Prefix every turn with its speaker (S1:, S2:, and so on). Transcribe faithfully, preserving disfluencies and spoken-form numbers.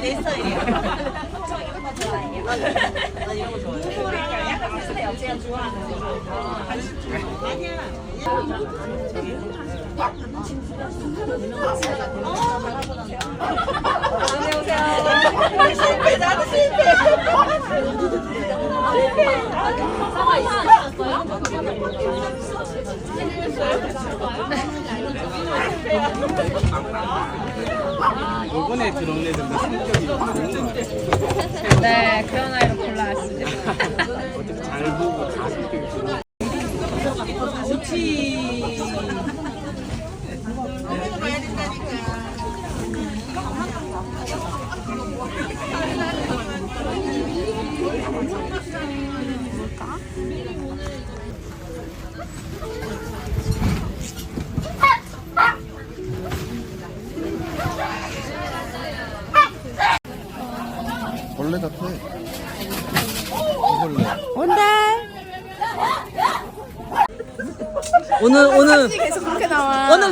S1: 내 스타일이야. 저 이런 거 좋아해요. 나 이런 거 좋아해. 약간 비슷해요. 제가 좋아하는 거. 안녕하세요. 실패, 나도 실패. 실패. 사과 있으셨어요?
S2: 이번에 들어온 애들도 성격이 좋은 거 같아요.
S3: 네, 그런 아이로 골라왔습니다.
S2: 어떻게 잘 보고 다 성격이 좋은.
S1: 좋지.
S4: 벌레 같아. 벌레.
S1: 오늘 오늘
S3: 계속 그렇게 나와.
S1: 오늘